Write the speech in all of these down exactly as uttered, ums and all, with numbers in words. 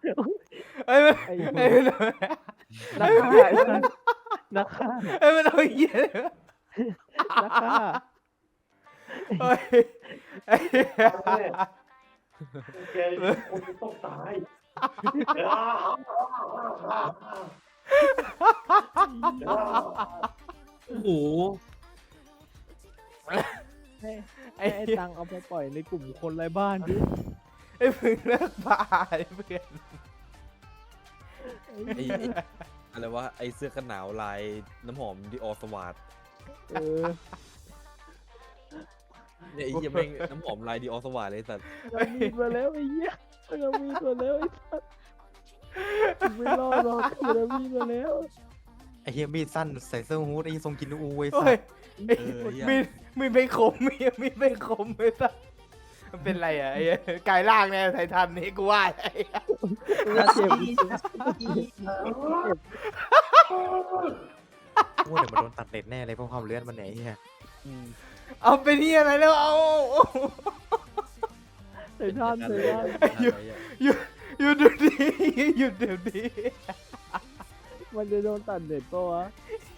เอ้ยไอ้เอ้ยนักฆ่าไอ้สัสนักฆ่าเอ้ยมันเอาเหี้ยนักฆ่าเฮ้ยไอ้เหี้ยแกคนต้องตายโอ้โหให้ไอ้ให้ไอ้เหี้ยตังเอาไปปล่อยในกลุ่มคนไร้บ้านดิไอ้มึงเลิกบ้าไอ้เพื่อนไอ้ไอ้อะไรวะไอ้เสื้อกันหนาวลายน้ำหอมดิออสวาดเออเนี่ยไอ้เหี้ยแม่งน้ำหอมลายดิออสวาดเลยสัตว์เรามีมาแล้วไอ้เหี้ยเรามีมาแล้วไอ้สัสมึงไม่รอดหรอกเรามีมาแล้วไอ้เฮียมีดสั้นใส่เสื้อฮู้ดไอ้ทรงกินอูไอ้โอ้สัยสไอ้เออเหี้ยมีดมีดไม่คมมีดมีดไม่คมเลยสัสมันเป็นไรอ่ะไอ้เหี้ยกายล่างเนี่ยไททันนี่กูว่าไอ้เหี้ยเจ็บกูว่าเดี๋ยวมันโดนตัดเน็ตแน่เลยเพราะความเลือดมันไหนเฮียอืมเอาไปนี่อะไรแล้วเอาใส่ท่านใส่ท่านอะไรอะหยุดหยุดเดี๋ยวนี้หยุดเดี๋ยวนี้มันจะโดนตัดเด็ดปะวะ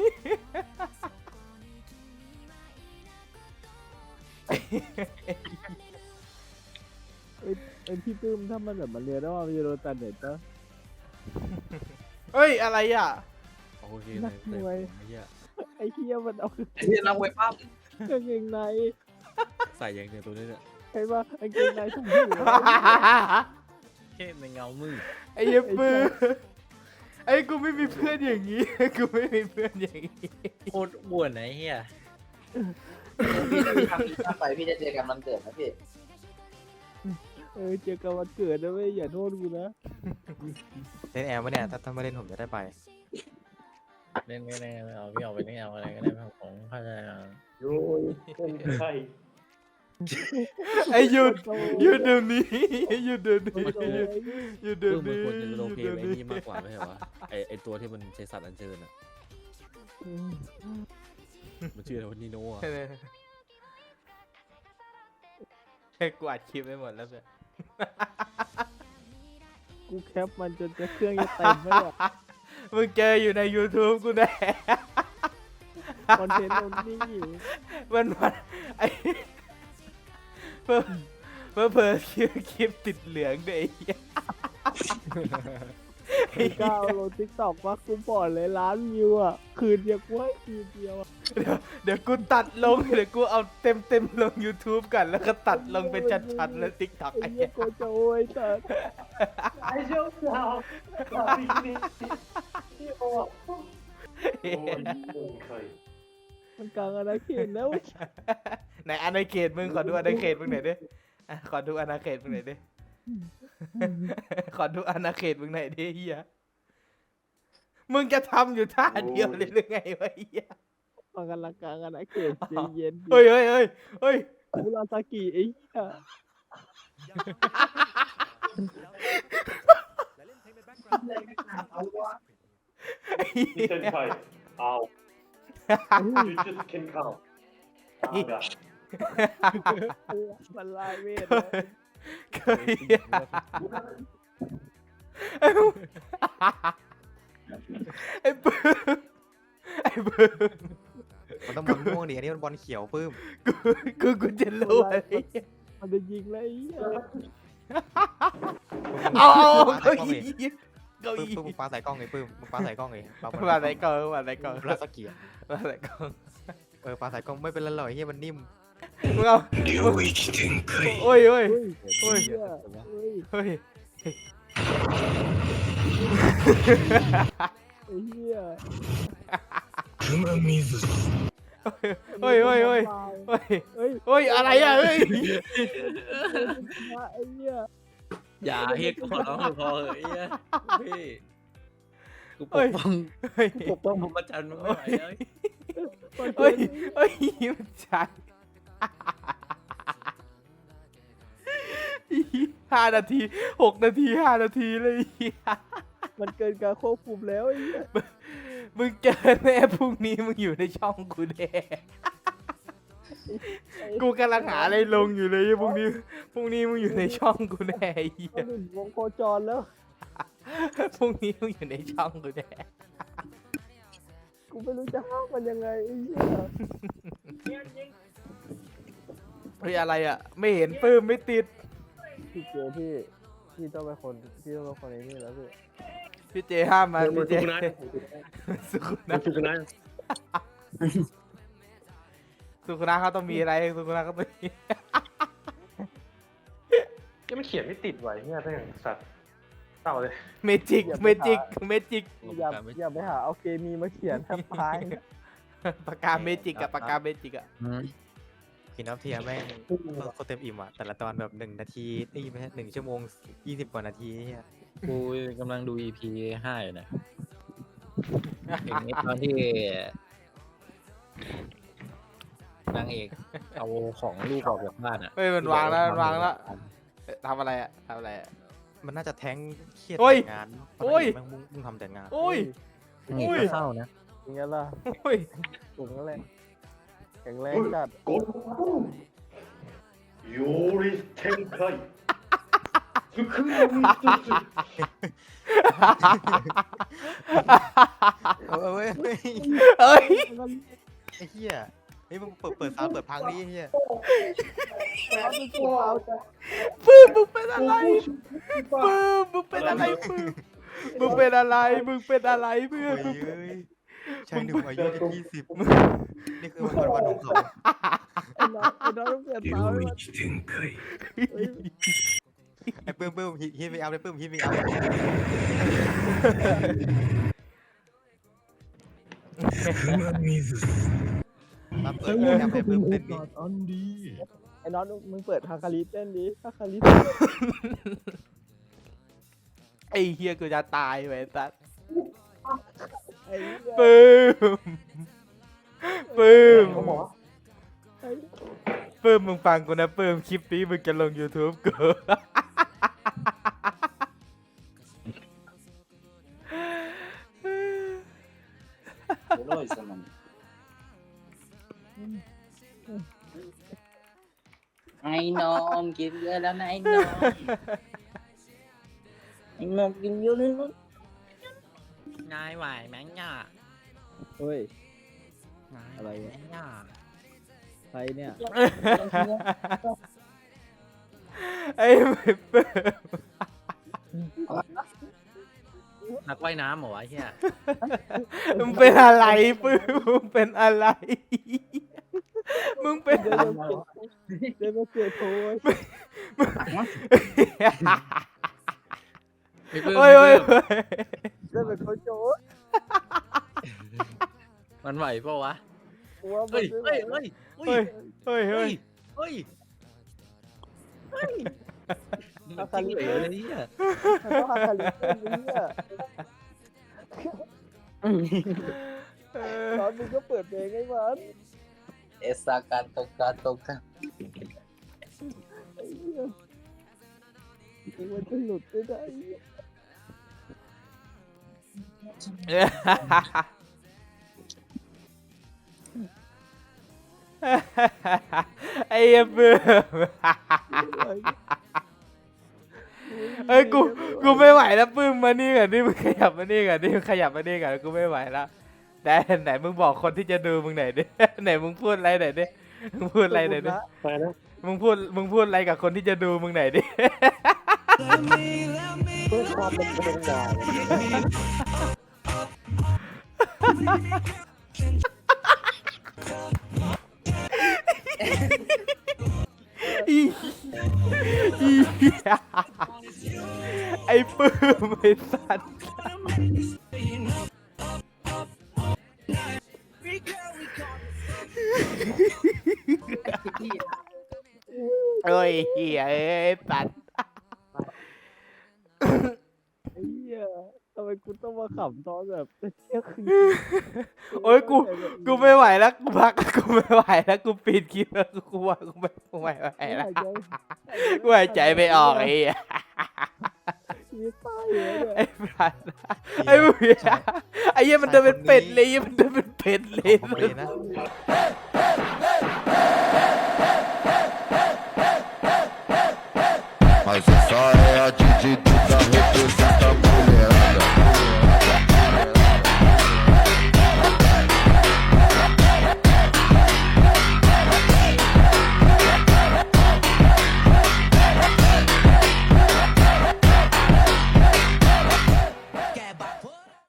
ไอ้ไอ้พี่ปื้มถ้ามันแบบมันเรียนได้ว่ามันจะโดนตัดเด็ดปะเฮ้ยอะไรอ่ะโอเคเลยเต็มไอ้เหี้ยไอ้เหี้ยมันเอาไอ้ที่นักมวยปั้มกางเกงในใส่ยังเนี่ยตัวนี้เนี่ยใช่ปะกางเกงในถุงมือแค่ในเงามืดไอ้เหี้ยปื้อไอ้กูไม่มีเพื่อนอย่างนี้กูไม่มีเพื่อนอย่างนี้โคตรบ่วนไอ้เหี้ยพี่พี่ทำอีกถ้าไปพี่จะเจอกันวันเกิดนะพี่เออเจอกันวันเกิดนะเว้ยอย่าโทษกูนะเล่นแอร์วะเนี่ยถ้าถ้าไม่เล่นผมจะได้ไปเล่นไม่ได้ไม่เอาพี่เอาไปเล่นเอาอะไรก็ได้ผมเข้าใจอ่ะโอ้ยเป็นใครไอ้หยุดหยุดเดี๋ยวนี้หยุดเดี๋ยวนี้โอ้ยหยุดเดี๋ยวเพิ่มมันนี้ควรจะโลเพหยุดไอ้เดี๋ยวนี่มากกว่าไม่ใช่วะไอไอตัวที่มันใช้สัตว์อัญเชิญอ่ะมันชื่ออะไรวะนีโน่อะให้กูอัดคลิปไปหมดแล้วเพื่อนกูแคปมันจนจะเครื่องจะเต็มไปเลยมึงเจออยู่ใน YouTube กูแน่คอนเทนต์มันนี่อยู่มันมันไอ้เพิ่มเพิ่มเพิ่มคลิปคลิปติดเหลืองด้วยไอ้เหี้ยไอ้ก้าวลงทิกตอกว่ากูบอกเลยล้านวิวอ่ะคืนเดียวกูให้คืนเดียวอะเดี๋ยวเดี๋ยวกูตัดลงเดี๋ยวกูเอาเต็มเต็มๆลง YouTube กันแล้วก็ตัดลงเป็นชัดๆแล้ว TikTok ไอ้ไอ้เหี้เหี้ยยกูจะโอ้ยแต่ไอ้เจ้าสาวสาวนี่นี่ที่โอ้โอ้ยเป็นใครมันกลางอาณาเขตแล้วไหนอาณาเขตมึงขอดูอาณาเขตมึงหน่อยดิอ่ะขอดูอาณาเขตมึงหน่อยดิ ขอดูอาณาเขตมึงหน่อยดิเฮียมึงจะทำอยู่ท่าเดียวเลยหรือไงวะเฮียมันกำลังกลางอาณาเขตใจเย็นดิเฮ้ยเฮ้ยเฮ้ยเฮ้ยคุราซากิไอ้เหี้ยนี่เป็นใครเอา you just can count อ่าแบบมันลายเวทเคยไอ้ไอ้ปื้มไอ้ปื้มมันต้องบอลม่วงดิอันนี้มันบอลเขียวปื้มกูกูกูจะรู้อะไรมันจะยิงแล้วไอ้เหี้ยเอาเอาปาเก้าใส่กล้องอี้เลยเก้าปื้มอี้ปื้มมึงปาใส่กล้องเลยปื้มมึงปาใส่กล้องเลยปาบอลมาไหนก่อนมาไหนก่อนลาสเกียมาไหนก่อนเออปาใส่กล้องไม่เป็นไรหรอกไอ้เฮียมันนิ่มมึงเอาโอ้ยโอ้ยเฮ้ยโอ้ยเหี้ยเฮ้ยไอ้เหี้ยเฮ้ยเฮ้ยเฮ้ยเฮ้ยเฮ้ยเฮ้ยอะไรอ่ะเฮ้ยไอ้เหี้ยอย่าเฮียกูขอร้องพอเหอะไอ้เหี้ยพี่กูปเฮ้กยป้องเฮ้ยปกป้องผมประจันมึงไม่ไหวเลยเฮ้ยเฮ้ยมันชัดห้านาทีหกนาทีห้านาทีเลยมันเกินการควบคุมแล้วไอ้เหี้ยมึงเจอแน่พรุ่งนี้มึงอยู่ในช่องกูแน่กูกำลังหาอะไรลงอยู่เลยพรุ่งนี้พรุ่งนี้มึงอยู่ในช่องกูแน่ไอ้เหี้ยมันหนึ่งวงโคจรแล้วพรุ่งนี้มึงอยู่ในช่องกูแน่กูไม่รู้จะห้ามมันยังไงไอ้เหี้ยเฮ้ยอะไรอ่ะ ไม่เห็นปื้มไม่ติดพี่เจพี่พี่ต้องเป็นคนพี่ต้องเป็นคนไอ้นี่แล้วพี่พี่เจห้ามมามันพี่เจสุกุนะสุขุมันะนสุกุนะสุขุนะเขาต้องมีอะไรสุขุนะเขาต้องมียังไม่เขียนไม่ติดไว้เนี่ยถ้าอย่างสัตว์เต่าเลยเมจิกเมจิกเมจิกอย่าอย่าไปหาเอาเคมีมาเขียนแทบตายปากกาเมจิกกับปากกาเมจิกอะกินน้ำเทียแม่งโคตรเต็มอิ่มอ่ะแต่ละตอนแบบหนึ่งนาทีเอ้ยไม่ใช่หนึ่งชั่วโมงยี่สิบกว่านาทีเนี่ยกูกำลังดู อี พี ห้าอยู่นะถึงไอ้ตอนที่นางเอกเอาของลูกออกจากบ้านอ่ะเฮ้ยมันวางแล้วมันวางแล้วเอ๊ะทำอะไรอะทำอะไรอะมันน่าจะแท้งเครียดโอ้ยแต่งานโอ้ยแม่งมุ่งมุ่งทำแต่งานโอ้ยนางเอกก็เศร้านะอย่างเงี้ยล่ะโอ้ยสูงแรงแข็งแรงจัดโกนโยริเทนไคสุขุนะมิสุสุเออเว้ยเฮ้ยเอ้ยไอ้เหี้ยเฮ้ยมึงเปิดเปิดซาวด์เปิดพังดิไอ้เหี้ยปื้มมึงเป็นอะไรปื้มมึงเป็นอะไรปื้มมึงเป็นอะไรมึงเป็นอะไรเพื่อโอ้นยเอ้ยชายหนุ่มอายุจะยี่สิบนี่คือวันวันของเขาไอ้น้องไอ้น้องต้องเปลี่ยนตาไว้มันเฮ้ยไอ้ปื้มปื้มฮิตฮิตไม่เอาเลยปื้มฮิตไม่เอาเลยมาเปิดโปรแกรมให้ปื้มเต้นดิไอ้น้องมึงเปิดฮาคาริเต้นดิฮาคาริไอ้เฮียกูจะตายไปสัสไอ้เหี้ยปื้มปื้มเขาบอกว่าไอ้ปื้มมึงฟังกูนะปื้มคลิปนี้มึงจะลง YouTube กูโอ้ยสมันไอ้นอนกินเยอะแล้วนะไอ้นอนไอ้นอนกินเยอะเลยนะนายไหวไหมเนี่ยเฮ้ยนายอะไรวะเนี่ยใครเนี่ยไอ้ปื้มนักว่ายน้ำเหรอวะไอ้เฮียมึงเป็นอะไรปื้มมึงเป็นอะไรมึงเป็นเดี๋ยวเดี๋ยวเดี๋ยวมาเสียโทยไม่เพิ่มโอ้ยโอ้ยเดี๋ยวเป็นโคชโจ้มันไหวเปล่าวะกูว่ามัเฮ้นยไม่ไหวเฮ้ยเฮ้ยเฮ้ยเฮ้ยเฮ้เฮ้ยยเฮ้ยเฮ้ยมันจริงเหรอเลยเนี่ยมันต้องฮาคาริเต้นดิเนี่ยเออตอนมึงก็เปิดเพลงให้มันเอสาการตกการตกกันไอ้เหี้ยมันจะหลุดไม่ได้ไอ้เหี้ยปื้มเอ้ยกูกูไม่ไหวแล้วปื้มมานี่ก่อนนี่มึงขยับมานี่ก่อนนี่มึงขยับมานี่ก่อนกูไม่ไหวแล้วแต่ไหนมึงบอกคนที่จะดูมึงไหนอยดิ ไหนมึงพูดอะไรไหนอยดิมึงพูดอะไรไหนอยดิไปนะมึงพูดมึงพูดอะไรกับคนที่จะดูมึงไหนอยดิเพื่อความเป็นกระดาษอีอีไอ้ปื้มไอ้สัตว์เอ้ยเหี้ยเอ้ยสัตว์ไอ้เหี้ยทำไมกูต้องมาขำตอนแบบเที่ยงคืนโอ้ยกูกูไม่ไหวแล้วกูพักกูไม่ไหวแล้วกูปิดคลิปแล้วกูว่ากูไม่กูไม่ไหวแล้ว กูหายใจไม่ออกไอ้เหี้ยชีวิตตายเลยเนี่ยไอ้สัตว์ไอ้เหี้ยไอ้เหี้ยมันเดินเป็นเป็ดเลยมันเดินเป็นเป็ดเลยขอบคุณนะ Mas essa é a atitude da